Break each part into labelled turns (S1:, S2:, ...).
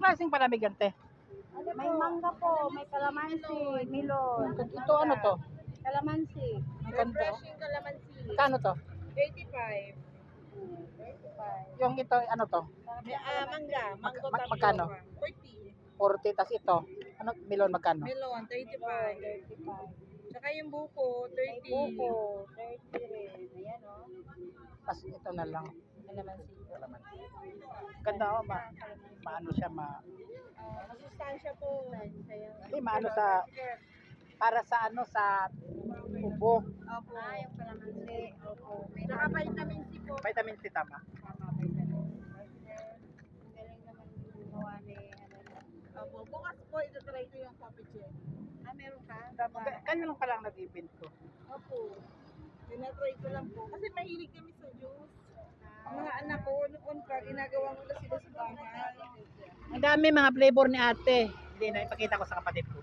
S1: klaseng palamig yan, te?
S2: May mangga po, may kalamansi, melon.
S1: Ito ano to?
S2: Kalamansi.
S1: Ang ganda.
S2: Refreshing kalamansi.
S1: Kano to?
S2: 85. 35.
S1: Yung ito, ano to?
S2: Mangga. Mango
S1: Magkano?
S2: 40.
S1: 40, tas ito. Ano, melon magkano?
S2: Melon, 35. 35. Tsaka yung buko, 30. Buko, 30 rin. Ayan o.
S1: Tas ito na lang.
S2: Kalamansi.
S1: Ganda oh, maano siya,
S2: Masustansya po.
S1: maano sa, para sa ano, sa ubo.
S2: Opo. Yung kalamansi. Opo. Tsaka vitamin C po.
S1: Vitamin C, tama.
S2: Tama, vitamin C. Ang galing naman gumawa ni Opo. Bukas po, ito-try ko yung coffee check. Meron ka?
S1: Kanya lang palang nag-event ko.
S2: Opo. Tinatry ko lang po. Kasi mahilig kami sa juice. Ang mga anak ko, noon pa, ginagawa ko na sila sa bahay.
S1: Ang dami mga flavor ni ate. Hindi na, ipakita ko sa kapatid ko.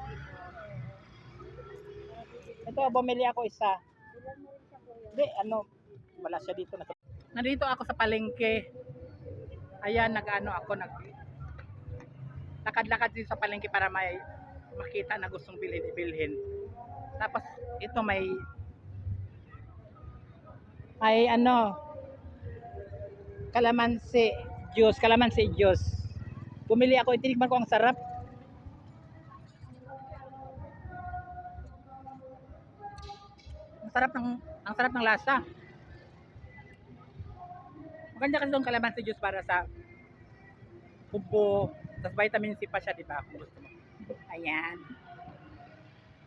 S1: Ito, bumili ako isa.
S2: Ilan mo rin siya po yun?
S1: Hindi, ano, wala siya dito. Nandito ako sa palengke. Ayan, lakad-lakad dito sa palengke para may makita na gustong bilhin. Tapos, ito may kalamansi juice. Bumili ako, itinikman ko, ang sarap. Ang sarap ng lasa. Maganda kasi itong kalamansi juice para sa ubo. Tapos vitamin C pa siya, di ba? Kung gusto mo. Ayan.